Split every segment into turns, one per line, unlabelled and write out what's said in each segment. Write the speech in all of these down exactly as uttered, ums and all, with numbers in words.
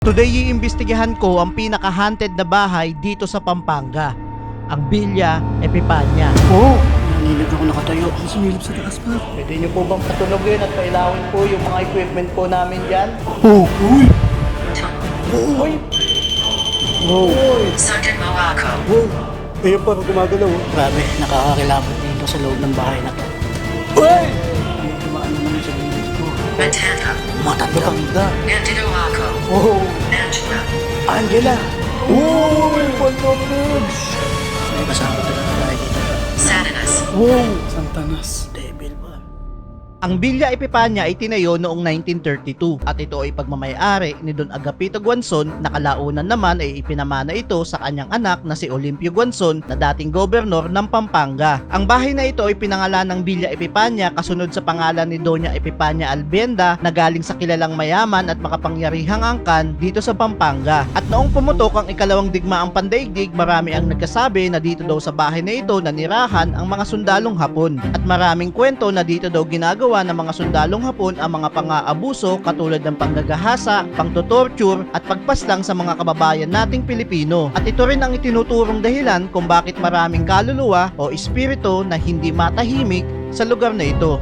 Today, iimbestigahan ko ang pinaka-haunted na bahay dito sa Pampanga, ang Villa Epipania.
Oo! Oh, nanilip ako nakatayo. Sumilip sa taas pa.
Pwede niyo po bang patulogin at pailawin po yung mga equipment po namin dyan?
Oo! Uy!
Uy!
Wow!
Sergeant Moaco.
Wow! Ayun pa, gumagalaw. oh. Grabe, nakakakilabot dito sa loob ng bahay na to. Uy! Ay, tumaan naman sa bibig ko.
Matanda.
Matanda. Matanda.
Anthony Moaco.
Oh!
Angela.
Angela! Uy! Pantopix! May kasama talaga tayo dito.
Satanas.
Wow! Santanas. Devil ba?
Ang Villa Epipania ay tinayo noong nineteen thirty-two at ito ay pagmamayari ni Don Agapito Guanzon na kalaunan naman ay ipinamana ito sa kanyang anak na si Olimpio Guanzon na dating gobernador ng Pampanga. Ang bahay na ito ay pinangalan ng Villa Epipania kasunod sa pangalan ni Doña Epipania Albienda na galing sa kilalang mayaman at makapangyarihang angkan dito sa Pampanga. At noong pumutok ang ikalawang digmaang pandaigdig, marami ang nagkasabi na dito daw sa bahay na ito nanirahan ang mga sundalong Hapon at maraming kwento na dito daw ginagawa ng mga sundalong Hapon ang mga pang-aabuso katulad ng panggagahasa, pangtotorture at pagpaslang sa mga kababayan nating Pilipino. At ito rin ang itinuturong dahilan kung bakit maraming kaluluwa o espiritu na hindi matahimik sa lugar na ito.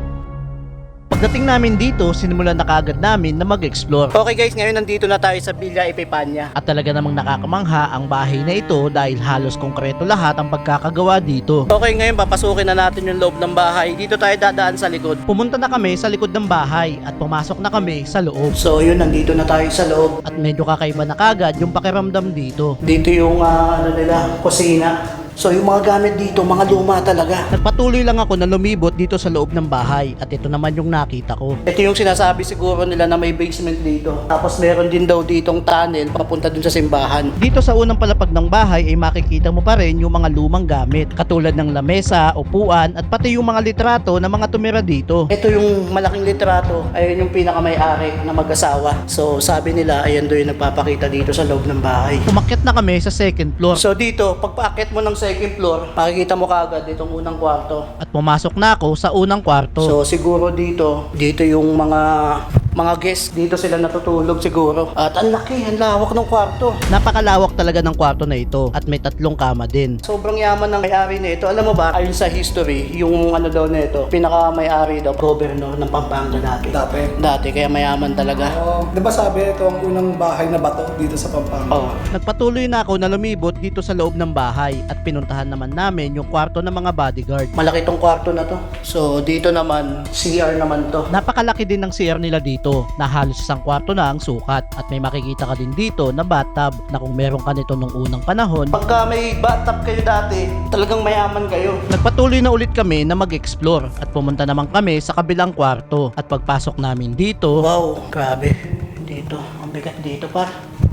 Pagdating namin dito, sinimulan na kaagad namin na mag-explore. Okay guys, ngayon nandito na tayo sa Villa Epipania. At talaga namang nakakamangha ang bahay na ito dahil halos konkreto lahat ang pagkakagawa dito. Okay, ngayon papasukin na natin yung loob ng bahay. Dito tayo dadaan sa likod. Pumunta na kami sa likod ng bahay at pumasok na kami sa loob.
So yun, nandito na tayo sa loob.
At medyo kakaiba na kagad yung pakiramdam dito.
Dito yung ah, ano nila, kusina. So yung mga gamit dito, mga luma talaga.
Nagpatuloy lang ako na lumibot dito sa loob ng bahay at ito naman yung nakita ko.
Ito yung sinasabi siguro nila na may basement dito. Tapos meron din daw ditong tunnel papunta dun sa simbahan.
Dito sa unang palapag ng bahay ay makikita mo pa rin yung mga lumang gamit katulad ng lamesa, upuan at pati yung mga litrato ng mga tumira dito.
Ito yung malaking litrato, ayun yung pinakamay-ari na mag-asawa. So sabi nila, ayan doon yung nagpapakita dito sa loob ng bahay.
Umakyat na kami sa second floor
So dito, pag paakyat mo ng second floor, makikita mo kaagad itong unang kwarto.
at pumasok na ako sa unang kwarto.
So siguro dito, dito yung mga mga guests, dito sila natutulog siguro. At ang laki, ang lawak ng kwarto.
Napakalawak talaga ng kwarto na ito at may tatlong kama din.
Sobrang yaman ng may-ari nito. Alam mo ba, ayon sa history, yung ano daw nito, pinaka may-ari daw, governor ng Pampanga dati.
Dati.
Dati, kaya mayaman talaga.
Oh, di ba sabi ito ang unang bahay na bato dito sa Pampanga?
Oh.
Nagpatuloy na ako na lumibot dito sa loob ng bahay at pinuntahan naman namin yung kwarto ng mga bodyguard.
Malaki tong kwarto na to. So dito naman, C R naman to.
Napakalaki din ng C R nila dito na halos isang kwarto na ang sukat at may makikita ka din dito na bathtub na kung meron ka nito nung unang panahon.
Pagka may bathtub kayo dati, talagang mayaman kayo.
Nagpatuloy na ulit kami na mag-explore at pumunta naman kami sa kabilang kwarto at pagpasok namin dito,
Wow, grabe. Dito, ang bigat dito pa.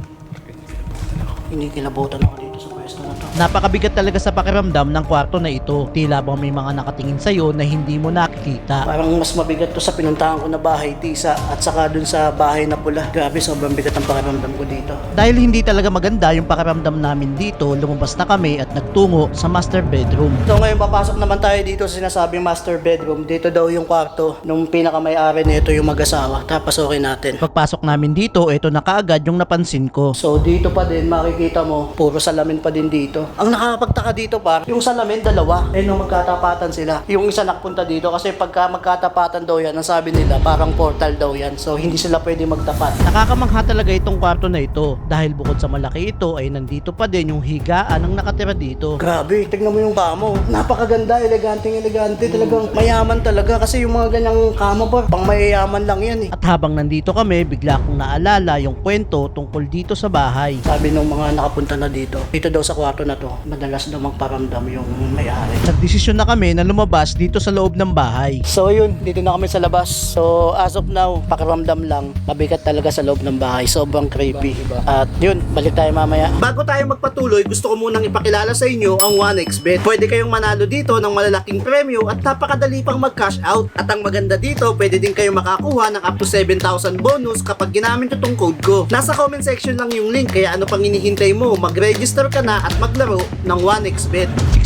Kinikilabutan ako dito sa pwesto na to.
napakabigat talaga sa pakiramdam ng kwarto na ito. Tila bang may mga nakatingin sa'yo na hindi mo nakikita.
Parang mas mabigat to sa pinuntahan ko na bahay, Tisa, at saka dun sa bahay na pula. Grabe, sobrang bigat ang pakiramdam ko dito.
Dahil hindi talaga maganda yung pakiramdam namin dito, lumabas na kami at nagtungo sa master bedroom.
So ngayon papasok naman tayo dito sa sinasabing master bedroom. Dito daw yung kwarto nung pinakamay-ari nito yung mag-asawa. Tapos okay natin.
Pagpasok namin dito, ito na kaagad yung napansin ko.
So dito pa din makikita mo, puro salamin pa din dito. Ang nakakapagtaka dito par, yung salamin dalawa. Eh nung magkatapatan sila. Yung isa nakpunta dito kasi pagka magkatapatan daw yan, ang sabi nila parang portal daw yan. So hindi sila pwede magtapat.
Nakakamangha talaga itong kwarto na ito dahil bukod sa malaki ito ay nandito pa din yung higaan ng nakatira dito.
Grabe, tignan mo yung kamo. Napakaganda, eleganteng elegante. Talagang mayaman talaga kasi yung mga ganyang kama par, pang mayayaman lang yan eh.
At habang nandito kami, bigla kong naalala yung kwento tungkol dito sa bahay.
Sabi nung mga nakapunta na dito, dito daw sa kwarto na to, madalas daw magparamdam yung may-ari.
Nagdesisyon na kami na lumabas dito sa loob ng bahay.
So yun, dito na kami sa labas. So as of now, pakiramdam lang, mabigat talaga sa loob ng bahay. Sobrang creepy. At yun, balik tayo mamaya. Bago tayo magpatuloy, gusto ko munang ipakilala sa inyo ang one x bet. Pwede kayong manalo dito ng malalaking premyo at napakadali pang mag-cash out. At ang maganda dito, pwede din kayo makakuha ng up to seven thousand bonus kapag ginamit itong code ko. Nasa comment section lang yung link, kaya ano pang hinihintay mo? Mag-register ka na at maglaro ng one x bet.
Expect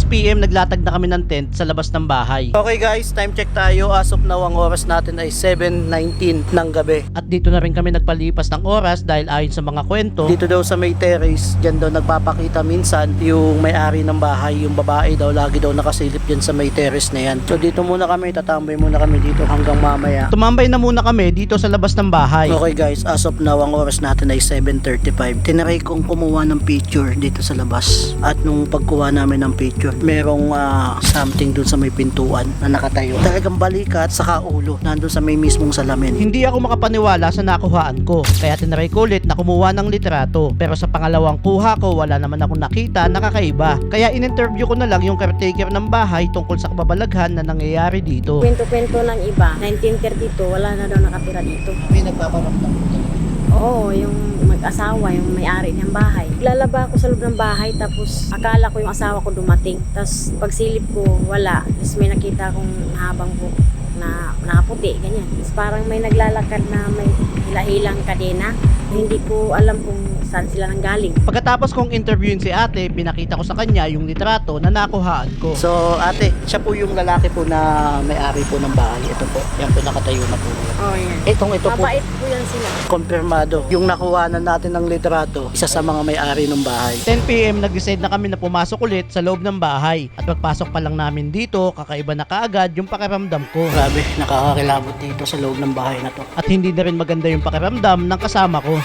p m naglatag na kami ng tent sa labas ng bahay.
Okay guys, time check tayo. As of now, ang oras natin ay seven nineteen ng gabi.
At dito na rin kami nagpalipas ng oras dahil ayon sa mga kwento,
Dito daw sa may terrace, dyan daw nagpapakita minsan yung may-ari ng bahay, yung babae daw, lagi daw nakasilip dyan sa may terrace na yan. So dito muna kami, tatambay muna kami dito hanggang mamaya.
tumambay na muna kami dito sa labas ng bahay.
Okay guys, as of now, ang oras natin ay seven thirty-five. Tinaray kong kumuha ng picture dito sa labas. At nung pagkuha namin ng picture, merong ah, something dun sa may pintuan na nakatayo. Talagang balikat sa ulo, nandun sa may mismong salamin.
Hindi ako makapaniwala sa nakuhaan ko, kaya tinry ko ulit na kumuha ng litrato. Pero sa pangalawang kuha ko, wala naman akong nakita na kakaiba. Kaya in-interview ko na lang yung caretaker ng bahay tungkol sa kababalaghan na nangyayari dito.
Kwento-kwento ng iba, nineteen thirty-two, wala na daw nakatira dito.
May nagpaparamdam ko talaga.
Oo, yung mag-asawa, yung may-ari ng bahay. Lalaba ako sa loob ng bahay, tapos akala ko yung asawa ko dumating. Tapos pagsilip ko, wala. Tapos may nakita akong habang buhok na nakaputi, ganyan. Tapos parang may naglalakad na may hila-hilang kadena. Hindi ko alam kung saan sila nanggaling.
Pagkatapos kong interviewin si ate, pinakita ko sa kanya yung litrato na nakuhaan ko.
So ate, siya po yung lalaki po na may-ari po ng bahay. Ito po, yan po nakatayo na po.
Oh, yan.
Itong ito po,
Mabait po yan sila.
konfirmado. Yung nakuhanan natin ng litrato, isa sa mga may-ari ng bahay.
ten p m nag-decide na kami na pumasok ulit sa loob ng bahay. At pagpasok pa lang namin dito, kakaiba na kaagad yung pakiramdam ko.
Grabe, nakakakilabot dito sa loob ng bahay na to.
At hindi na rin maganda yung pakiramdam ng kasama ko.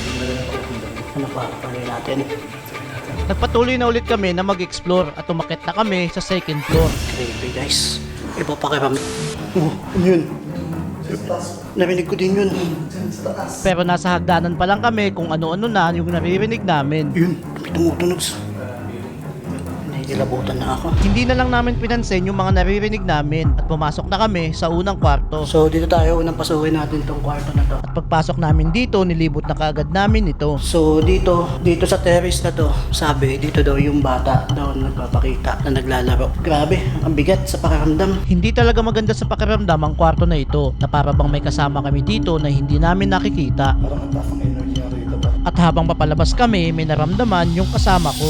Ano pa, pali natin.
Nagpatuloy na ulit kami na mag-explore at umakyat na kami sa second floor.
Grabe guys, iba pa kayo. Oh, ano yun? Narinig ko din yun.
Pero nasa hagdanan pa lang kami kung ano-ano na yung naririnig namin.
Yun, may tumutunog. Naikilabutan na ako.
Hindi na lang namin pinansin yung mga naririnig namin at pumasok na kami sa unang kwarto.
So dito tayo, unang pasukin natin tong kwarto na to.
At pagpasok namin dito, nilibot na kaagad namin ito.
So dito, dito sa terrace na to, sabi dito daw yung bata daw nagpapakita na naglalaro. Grabe, ang bigat sa pakiramdam.
Hindi talaga maganda sa pakiramdam ang kwarto na ito na para bang may kasama kami dito na hindi namin nakikita.
Parang ang takang energy na rito ba?
At habang papalabas kami, may naramdaman yung kasama ko.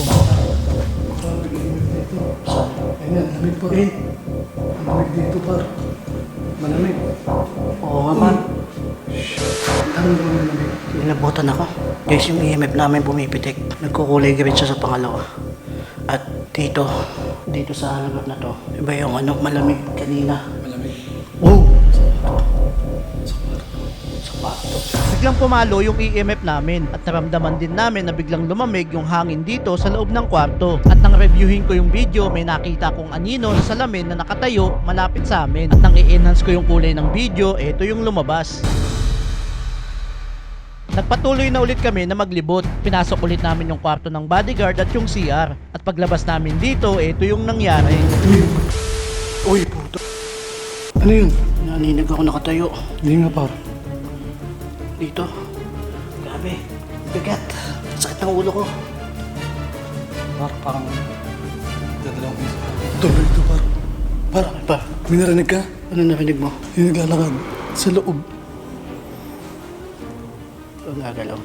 Ayan, lamig par.
Eh,
Lamig dito par. Malamig.
oo nga man.
Ang dami naman lamig.
Nilabutan ako. Guys, yung E M F namin pumipitik. Nagkukulay green siya sa pangalawa. At dito, dito sa lugar na to, iba yung ano, malamig kanina.
Malamig.
Oh! Sapato.
Biglang pumalo yung E M F namin at naramdaman din namin na biglang lumamig yung hangin dito sa loob ng kwarto. At nang reviewin ko yung video, may nakita kong anino sa salamin na nakatayo malapit sa amin. At nang i-enhance ko yung kulay ng video, ito yung lumabas. Nagpatuloy na ulit kami na maglibot. Pinasok ulit namin yung kwarto ng bodyguard at yung C R. At paglabas namin dito, ito yung nangyari.
Uy, puto.
Ano yun?
Naninig ako nakatayo.
Hindi nga par.
Dito. Grabe. Bigat. Sakit ng ulo ko.
Par, parang dadalawang piso. Tuloy ito par. Par,
Pa,
may narinig ka?
ano narinig mo?
Yung naglalakad sa loob.
Ang gagalaw.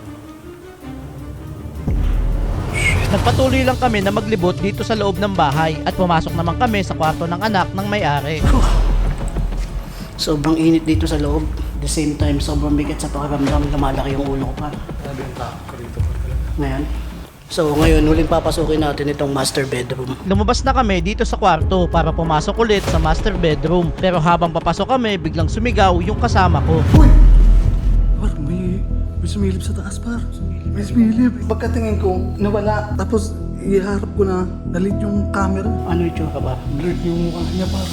Nagpatuloy lang kami na maglibot dito sa loob ng bahay at pumasok naman kami sa kwarto ng anak ng may-ari.
Sobrang init dito sa loob. At the same time, sobrang bigat sa pakiramdam. Lumalaki yung ulo ko pa.
Grabe yung takot ko rito par.
Ngayon. So ngayon, huling papasukin natin itong master bedroom.
Lumabas na kami dito sa kwarto para pumasok ulit sa master bedroom. Pero habang papasok kami, biglang sumigaw yung kasama ko.
Uy! Par, may, may sumilip sa taas par. May sumilip. Pagkatingin ko, nawala. Tapos iharap ko na, dalit yung camera.
Ano yung tsura ba?
Blurred yung mukha niya par.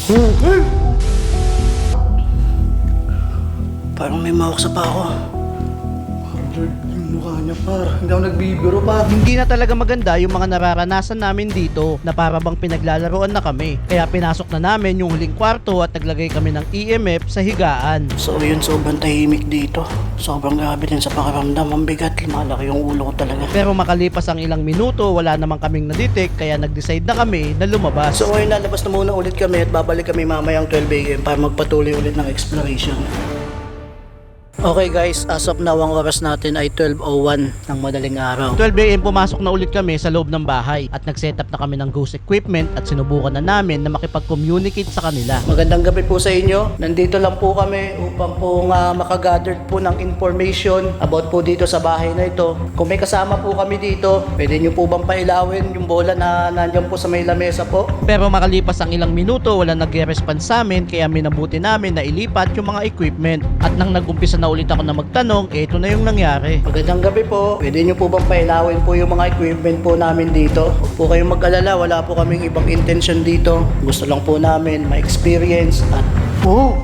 Parang may mahawak sa pa ako.
Par, blurred yung mukha niya par. Hindi ako nagbibiro par.
Hindi na talaga maganda yung mga nararanasan namin dito na para bang pinaglalaroan na kami. Kaya pinasok na namin yung huling kwarto at naglagay kami ng E M F sa higaan.
So yun, sobrang tahimik dito. Sobrang grabe din sa pakiramdam. Ang bigat, lumalaki yung ulo ko talaga.
Pero makalipas ang ilang minuto, wala namang kaming nadetect kaya nag-decide na kami na lumabas.
So ngayon, lalabas na muna ulit kami at babalik kami mamayang twelve a m para magpatuloy ulit ng exploration. Okay guys, as of now ang oras natin ay twelve oh one ng madaling araw.
twelve a m pumasok na ulit kami sa loob ng bahay at nag-setup na kami ng ghost equipment at sinubukan na namin na makipag-communicate sa kanila.
Magandang gabi po sa inyo. Nandito lang po kami upang po nga makagather po ng information about po dito sa bahay na ito. Kung may kasama po kami dito, pwede nyo po bang pailawin yung bola na nandyan po sa may lamesa po?
Pero makalipas ang ilang minuto, wala nag-response sa amin kaya minabuti namin na ilipat yung mga equipment. At nang nag-umpisa na ulit ako na magtanong, eto na yung nangyari.
Magandang gabi po. Pwede nyo po bang pailawin po yung mga equipment po namin dito? Huwag po kayong mag-alala, wala po kaming ibang intention dito. Gusto lang po namin ma-experience at
Oh!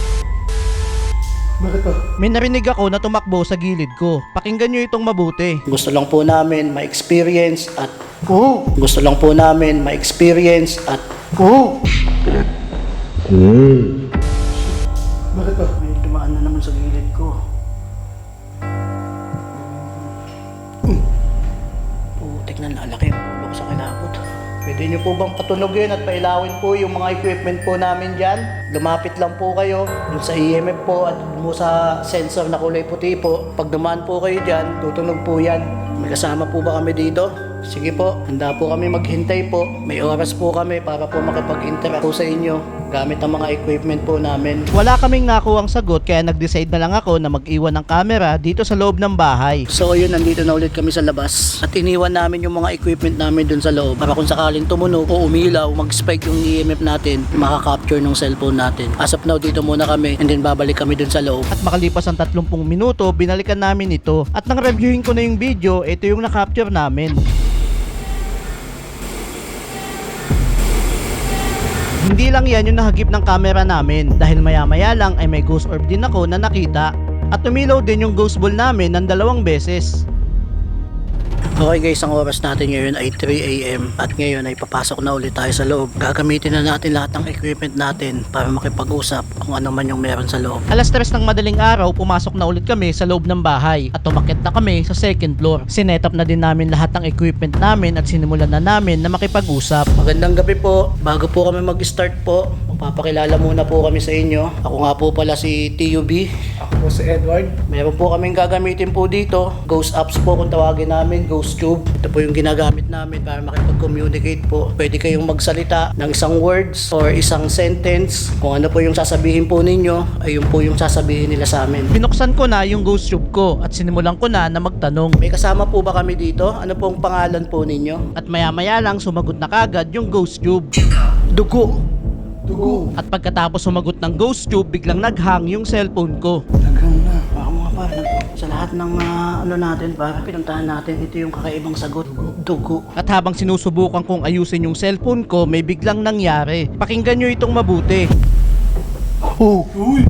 Bakit ba?
May narinig ako na tumakbo sa gilid ko. Pakinggan nyo itong mabuti.
gusto lang po namin ma-experience at
Oh!
gusto lang po namin ma-experience at
Oh! Bakit ba?
may dumaan na naman sa gilid ko. Putik na lalaki yung ulo ko sa kilabot. Pwede nyo po bang patunogin at pailawin po yung mga equipment po namin dyan? Lumapit lang po kayo dun sa E M F po at dun mo sa sensor na kulay puti po. Pag dumaan po kayo dyan, tutunog po yan. May kasama po ba kami dito? Sige po, handa po kami maghintay po. May oras po kami para po makipag-interact po sa inyo gamit ang mga equipment po namin.
Wala kaming nakuhang sagot kaya nag-decide na lang ako na mag-iwan ng camera dito sa loob ng bahay.
So ayun, nandito na ulit kami sa labas at iniwan namin yung mga equipment namin dun sa loob para kung sakaling tumunog o umilaw, mag-spike yung E M F natin, makaka-capture ng cellphone natin. As of now, dito muna kami and then babalik kami dun sa loob.
At makalipas ang tatlong minuto, binalikan namin ito. At nang reviewin ko na yung video, ito yung na-capture namin. Hindi lang yan yung nahagip ng camera namin dahil maya maya lang ay may ghost orb din ako na nakita at umilaw din yung ghost ball namin ng dalawang beses.
Okay guys, ang oras natin ngayon ay three a m at ngayon ay papasok na ulit tayo sa loob. Gagamitin na natin lahat ng equipment natin para makipag-usap kung ano man yung meron sa loob.
Alas tres ng madaling araw, pumasok na ulit kami sa loob ng bahay at umakyat na kami sa second floor. Sinetap na din namin lahat ng equipment namin at sinimulan na namin na makipag-usap.
Magandang gabi po. Bago po kami mag-start po, magpapakilala muna po kami sa inyo. Ako nga po pala si T U B.
Ako po si Edward.
Meron po kaming gagamitin po dito. Ghost apps po kung tawagin namin, Ghost Tube. Ito po yung ginagamit namin para makipag-communicate po. Pwede kayong magsalita ng isang words or isang sentence. Kung ano po yung sasabihin po ninyo, ayun po yung sasabihin nila sa amin.
Binuksan ko na yung ghost tube ko at sinimulan ko na na magtanong.
May kasama po ba kami dito? Ano pong pangalan po ninyo?
At maya maya lang sumagot na kagad yung ghost tube.
Dugo.
Dugo.
At pagkatapos sumagot ng ghost tube, biglang naghang yung cellphone ko.
Naghang na.
Baka mga pa, sa lahat ng ah, ano natin, para pinuntahan natin, ito yung kakaibang sagot. Dugo.
At habang sinusubukan kong ayusin yung cellphone ko, may biglang nangyari. Pakinggan nyo itong mabuti.
Oh! Uy!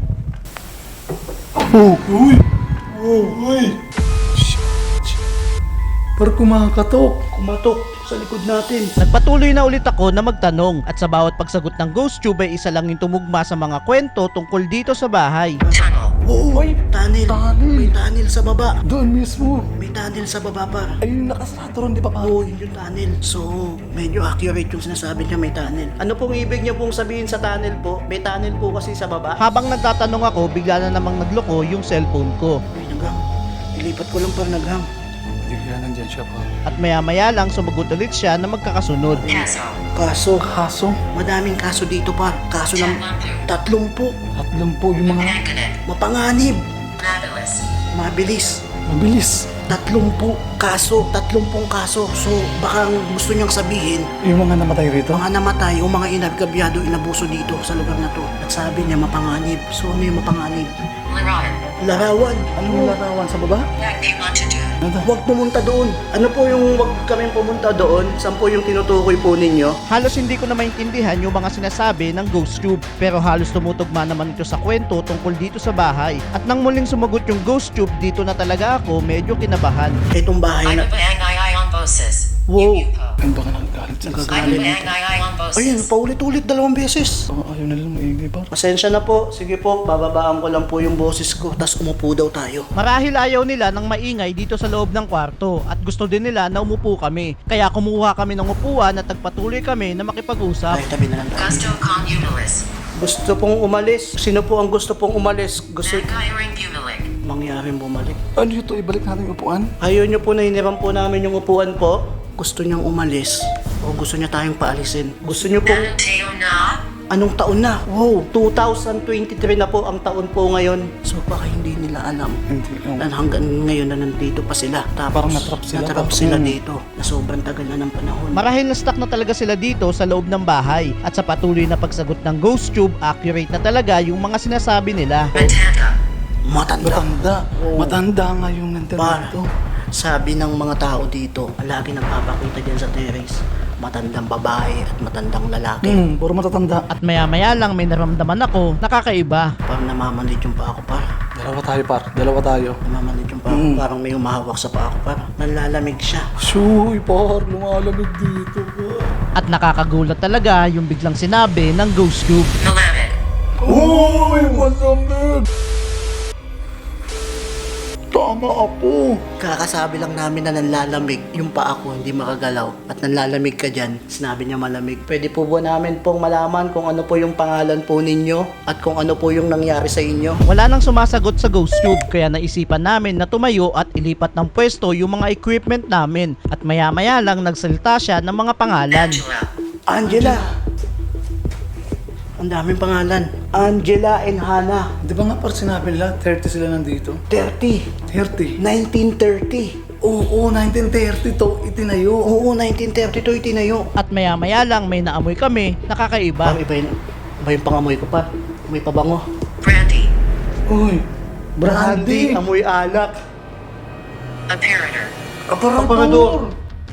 Oh! Uy! Oh! Uy! Shh! Shh! Parang kumakatok.
Kumatok sa likod natin.
Nagpatuloy na ulit ako na magtanong at sa bawat pagsagot ng ghost tube ay isa lang yung tumugma sa mga kwento tungkol dito sa bahay.
Tunnel.
Oo,
Uy,
tunnel.
tunnel.
May tunnel sa baba.
Doon mismo.
May tunnel sa baba pa.
Ayun, nakasarado ron, di ba pa?
Oo, yun yung tunnel. So, medyo accurate yung sinasabi niya may tunnel. Ano pong ibig niya pong sabihin sa tunnel po? May tunnel po kasi sa baba.
Habang nagtatanong ako, bigla na namang nagloko yung cellphone ko.
Uy, naghang. Ilipat ko lang pa naghang.
Bigla nandyan siya pa.
At maya maya lang sumagot ulit siya na magkakasunod.
Castle.
Kaso,
Kaso,
madaming kaso dito pa. Kaso ng tatlong po.
tatlong po yung mga
Magnet.
Mapanganib.
Fabulous.
Mabilis.
mabilis.
Tatlong po kaso. Tatlong pong kaso. So, baka ang gusto niyang sabihin,
Yung mga namatay rito.
mga namatay o mga inabgabyado, inabuso dito sa lugar na to. At sabi niya mapanganib. So, ano yung mapanganib?
Larawan.
Larawan.
Anong larawan sa baba?
What they want to do.
Ano?
Huwag pumunta doon. Ano po yung huwag kaming pumunta doon? Saan po yung tinutukoy po ninyo?
Halos hindi ko na maintindihan yung mga sinasabi ng ghost tube pero halos tumutugma naman ito sa kwento tungkol dito sa bahay. At nang muling sumagot yung ghost tube, dito na talaga ako medyo kinabahan.
Itong bahay
I'm
na...
a bang I on bosses.
Wow.
Ano ba ka nagagalit sila sa
I'm a
Nagagalit.
bang I on
Ayun,
bosses.
paulit-ulit dalawang beses.
Oh, ayaw na lang maingay pa.
Pasensya na po. Sige po, bababaan ko lang po yung boses ko. Tapos umupo daw tayo.
Marahil ayaw nila ng maingay dito sa loob ng kwarto at gusto din nila na umupo kami. Kaya kumuha kami ng upuan at nagpatuloy kami na makipag-usap.
Ay, tabi na lang tayo.
Gusto Communalist.
Gusto pong umalis. Sino po ang gusto pong umalis? Gusto...
Mankiring Bumilik.
mangyaring bumalik.
Ano ito? Ibalik natin yung upuan?
Ayaw niyo po na hiniram po namin yung upuan po. Gusto niyang umalis o gusto niya tayong paalisin? Gusto niyo pong
Tayo na.
anong taon na? Wow, two thousand twenty-three na po ang taon po ngayon. So baka hindi nila alam
Hindi. Oh.
na hanggang ngayon na nandito pa sila. Tapos
Parang natrap sila.
natrap
Tapos,
sila
mm.
dito na sobrang tagal na ng panahon.
Marahil na stuck na talaga sila dito sa loob ng bahay at sa patuloy na pagsagot ng ghost tube, accurate na talaga yung mga sinasabi nila.
Matanda.
Matanda.
Matanda.
Oo.
Matanda nga yung nandito.
Par, sabi ng mga tao dito, lagi nagpapakita dyan sa terrace, matandang babae at matandang lalaki.
Hmm, puro matatanda.
At maya-maya lang may naramdaman ako na kakaiba.
Parang namamanid yung pa ako, par.
Dalawa tayo, par. Dalawa tayo.
Namamanid yung pa ako.
Mm.
Parang may humahawak sa pa ako, par. Nanlalamig siya.
Shuy, par. Lumalamig dito, par.
At nakakagulat talaga yung biglang sinabi ng ghost tube.
Malamig.
Uy, malamig! Tama ako.
Kakasabi lang namin na nanlalamig yung pa ako, hindi makagalaw. At nanlalamig ka dyan, sinabi niya malamig. Pwede po ba namin pong malaman kung ano po yung pangalan po ninyo at kung ano po yung nangyari sa inyo?
Wala nang sumasagot sa ghost tube kaya naisipan namin na tumayo at ilipat ng pwesto yung mga equipment namin. At maya-maya lang nagsalita siya ng mga pangalan.
Angela.
Angela! Ang daming pangalan. Angela and Hannah.
Di ba nga par sinabi nila, thirty sila nandito?
thirty.
thirty?
nineteen thirty.
Oo, nineteen thirty to itinayo.
Oo, nineteen thirty to itinayo.
At maya-maya lang may naamoy kami na kakaiba.
Parang iba yun. Iba yung pangamoy ko pa. May pabango.
Brandy.
Uy,
Brandy.
Brandy.
Amoy alak.
Apparator.
Aparador.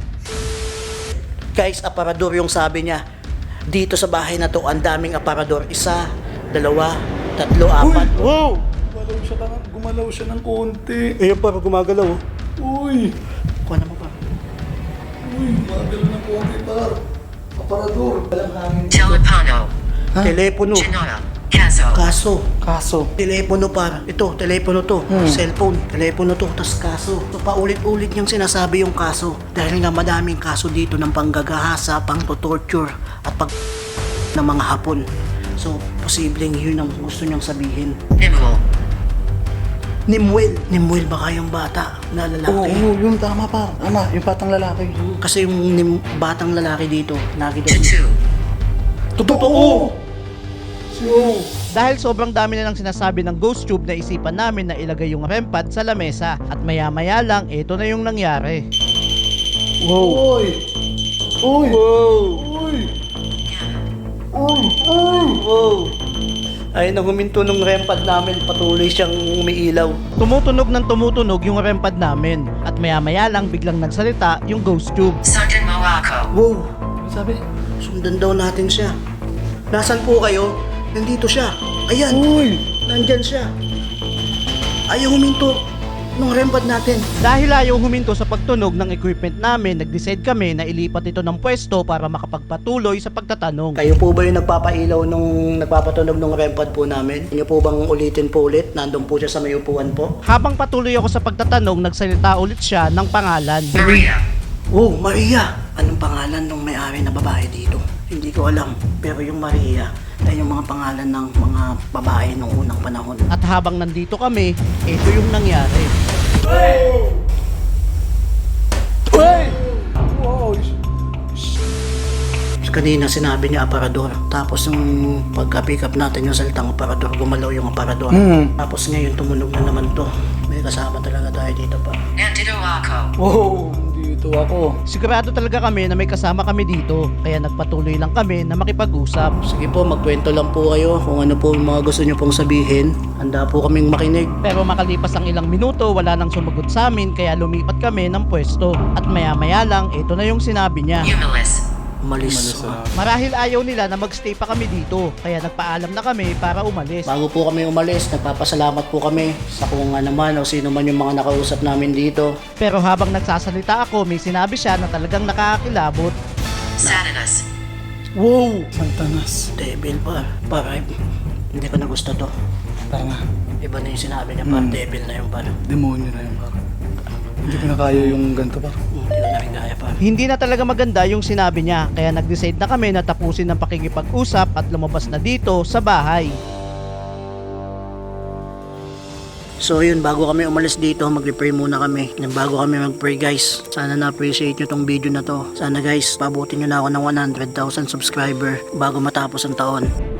Guys, aparador yung sabi niya. Dito sa bahay na to, ang daming aparador. Isa, dalawa, tatlo, apat. Wow!
Gumalaw siya lang, gumalaw siya ng konti.
Ayun pa, gumagalaw.
Uy,
Kuha na mo pa.
uy, gumagalaw ng konti par. Aparador. Walang hangin.
Telepono.
Telepono.
Genoa. Caso.
Kaso.
Kaso.
Telepono par. Ito, telepono to.
Hmm.
Cellphone. Telepono to. Tas kaso. So, paulit-ulit niyang sinasabi yung kaso. Dahil nga madaming kaso dito ng panggagahasa, pang-torture, at pag ng mga hapon. So, posibleng yun ang gusto niyang sabihin.
Nimble.
Nimwel. Nimwel baka yung bata na
Oo,
lalaki.
oo, yun tama par. Tama, yung patang lalaki.
Kasi yung nim- batang lalaki dito, lagi daw.
Tattoo.
Totoo! So,
Dahil sobrang dami na lang sinasabi ng ghost tube na isipan namin na ilagay yung R E M pad sa lamesa. At maya-maya lang, ito na yung nangyari.
wow. Uy! Uy!
Wow!
Uy! Uy! Uy!
Wow! Ay, nang huminto ng R E M pad namin, patuloy siyang umiilaw.
Tumutunog ng tumutunog yung R E M pad namin. At maya-maya lang biglang nagsalita yung ghost tube.
Sunken Morocco.
Wow!
Sabi?
Sundan daw natin siya. Nasaan po kayo? Nandito siya. Ayan!
Uy!
Nandyan siya. Ayaw huminto ng R E M pad natin.
Dahil ayaw huminto sa pagtunog ng equipment namin, nag-decide kami na ilipat ito ng pwesto para makapagpatuloy sa pagtatanong.
Kayo po ba yung nagpapailaw nung nagpapatunog ng R E M pad po namin? Inyo po bang ulitin po ulit? Nandun po siya sa may upuan po?
Habang patuloy ako sa pagtatanong, nagsalita ulit siya ng pangalan.
Maria.
Oh, Maria! Anong pangalan ng may-ari na babae dito? Hindi ko alam. Pero yung Maria ay yung mga pangalan ng mga babae nung unang panahon.
At habang nandito kami, ito yung nangyari.
Uy! Wow!
Kanina sinabi niya aparador. Tapos yung pagka-pick up natin yung salitang aparador, gumalaw yung aparador.
Hmm.
Tapos ngayon tumunog na naman to. May kasama talaga tayo dito pa.
Nandito ako.
Wow! Dito ako.
Sigurado talaga kami na may kasama kami dito, kaya nagpatuloy lang kami na makipag-usap.
Sige po, magkwento lang po kayo kung ano po yung mga gusto niyo pong sabihin. Handa po kaming makinig.
Pero makalipas ang ilang minuto, wala nang sumagot sa amin kaya lumipat kami ng pwesto. At maya-maya lang, ito na yung sinabi niya.
Humilis.
Umalis.
Marahil ayaw nila na magstay pa kami dito, kaya nagpaalam na kami para umalis.
Bago po kami umalis, nagpapasalamat po kami sa kung ano man o sino man yung mga nakausap namin dito.
Pero habang nagsasalita ako, may sinabi siya na talagang nakakakilabot.
Satanas.
Wow! Santanas.
Devil pa. Para hindi ko na gusto to.
Tara nga.
Iba na yung sinabi niya, par.
Hmm.
Devil na yung par.
Demonyo na yun, par. Hindi ko na kaya yung ganito, par.
Hindi ko na rin kaya, par.
Hindi na talaga maganda yung sinabi niya, kaya nag-decide na kami na tapusin ang pakikipag-usap at lumabas na dito sa bahay.
So yun, bago kami umalis dito, mag-pray muna kami. Then bago kami mag-pray guys, sana na-appreciate nyo tong video na to. Sana guys, pabutin nyo na ako ng one hundred thousand subscriber bago matapos ang taon.